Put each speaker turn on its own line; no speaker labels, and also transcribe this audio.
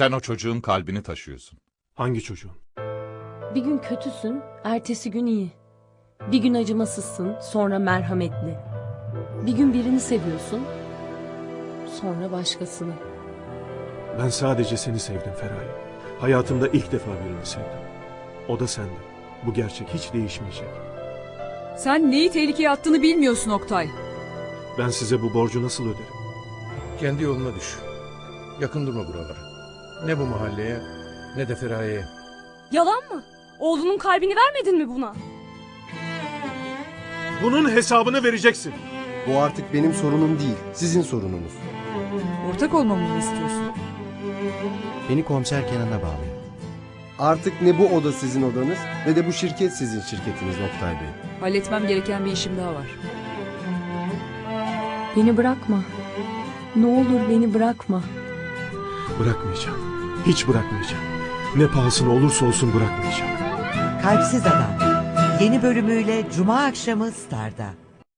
Sen o çocuğun kalbini taşıyorsun.
Hangi çocuğun?
Bir gün kötüsün, ertesi gün iyi. Bir gün acımasızsın, sonra merhametli. Bir gün birini seviyorsun, sonra başkasını.
Ben sadece seni sevdim Feraye. Hayatımda ilk defa birini sevdim. O da sendin. Bu gerçek hiç değişmeyecek.
Sen neyi tehlikeye attığını bilmiyorsun Oktay.
Ben size bu borcu nasıl öderim?
Kendi yoluna düş. Yakın durma buralara. Ne bu mahalleye ne de Feraye'ye.
Yalan mı? Oğlunun kalbini vermedin mi buna?
Bunun hesabını vereceksin.
Bu artık benim sorunum değil, sizin sorununuz.
Ortak olmamı mı istiyorsun?
Beni komiser Kenan'a bağlayın.
Artık ne bu oda sizin odanız ne de bu şirket sizin şirketiniz Oktay Bey.
Halletmem gereken bir işim daha var.
Beni bırakma. Ne olur beni bırakma.
Bırakmayacağım. Hiç bırakmayacağım. Ne pahasına olursa olsun bırakmayacağım.
Kalpsiz Adam yeni bölümüyle Cuma akşamı Star'da.